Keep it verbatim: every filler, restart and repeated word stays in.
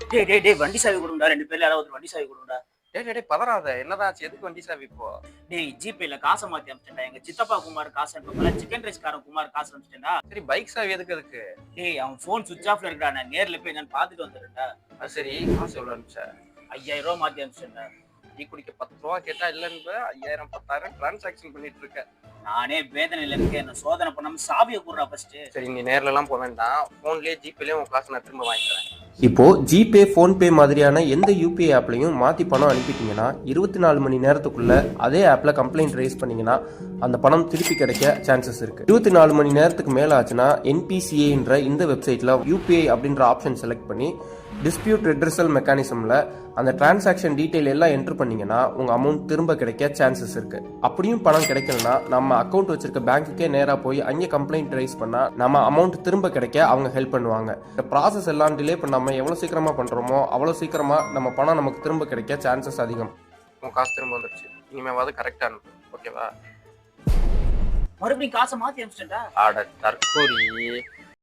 டேய் டேய் டேய் வண்டி சாவி கொடுங்கடா. ரெண்டு பேர்ல யாராவது வண்டி சாவி கொடுங்கடா. டேய் டேய் டேய் பதறாத. என்னடா ஆச்சு? எதுக்கு வண்டி சாவி இப்போ? டேய் ஜிபேல காசை மாத்தி அனுப்பிச்சிட்டேன்டா. எங்க சித்தப்பா குமார் காசு அனுப்பல. சிக்கன் ரைஸ் காரன் குமார் காசு அனுப்பிச்சிட்டேன்டா. சரி பைக் சாவி எதுக்கு அதுக்கு? டேய் அவன் போன் சுவிட்ச் ஆஃப்ல இருக்கடா. நான் நேர்ல போய் நான் பாத்துட்டு வந்துறேன்டா. அது சரி காசு எவ்வளவு அனுப்பிச்ச? ஐயாயிரம் ரூபாய் மாத்தி அனுப்பிச்சிட்டேன்டா. டீ குடிக்க பத்து ரூபா கேட்டா இல்லன்னு ஐயாயிரம் பத்தாயிரம் டிரான்சாக்ஷன் பண்ணிட்டு இருக்க. நானே வேதனையில இருக்கேன். என்ன சோதனை பண்ணாம சாவியை கூடுறா ஃபர்ஸ்ட். சரி நீ நேர்ல எல்லாம் போக வேண்டாம். போன்லயே ஜிபேலயே உன் காசு நான் திரும்ப வாங்கிக்கிறேன். இப்போ ஜிபே ஃபோன்பே மாதிரியான எந்த யூபிஐ ஆப்லையும் மாற்றி பணம் அனுப்பிட்டீங்கன்னா இருபத்தி நாலு மணி நேரத்துக்குள்ள அதே ஆப்ல கம்ப்ளைண்ட் ரைஸ் பண்ணீங்கன்னா அந்த பணம் திருப்பி கிடைக்க சான்சஸ் இருக்கு. இருபத்தி நாலு மணி நேரத்துக்கு மேல ஆச்சுன்னா என்பிசிஏன்ற இந்த வெப்சைட்ல யூபிஐ அப்படின்ற ஆப்ஷன் செலக்ட் பண்ணி டிஸ்பியூட் ரெட்ரஸல் மெக்கானிசம்ல அந்த டிரான்சாக்ஷன் டீடைல் எல்லாம் என்டர் பண்ணீங்கன்னா உங்க அமௌண்ட் திரும்ப கிடைக்க சான்சஸ் இருக்கு. அப்படியும் பணம் கிடைக்கலனா நம்ம அக்கௌண்ட் வச்சிருக்க பேங்க்குக்கே நேரா போய் அங்கே கம்ப்ளைண்ட் ரைஸ் பண்ணா நம்ம அமௌண்ட் திரும்ப கிடைக்க அவங்க ஹெல்ப் பண்ணுவாங்க. இந்த ப்ராசஸ் எல்லாம் டிலே பண்ணாம எவ்வளவு சீக்கிரமா பண்றோமோ அவ்வளவு சீக்கிரமா நம்ம பணம் நமக்கு திரும்ப கிடைக்க சான்சஸ் அதிகம். உன் காசு திரும்ப வந்துருச்சு. இனிமேவாது கரெக்டா அனுப்பு. ஓகேவா? மறுபடியும் காசை மாத்தி அனுப்பிச்சிட்டேன்டா. ஆட தற்கூரி.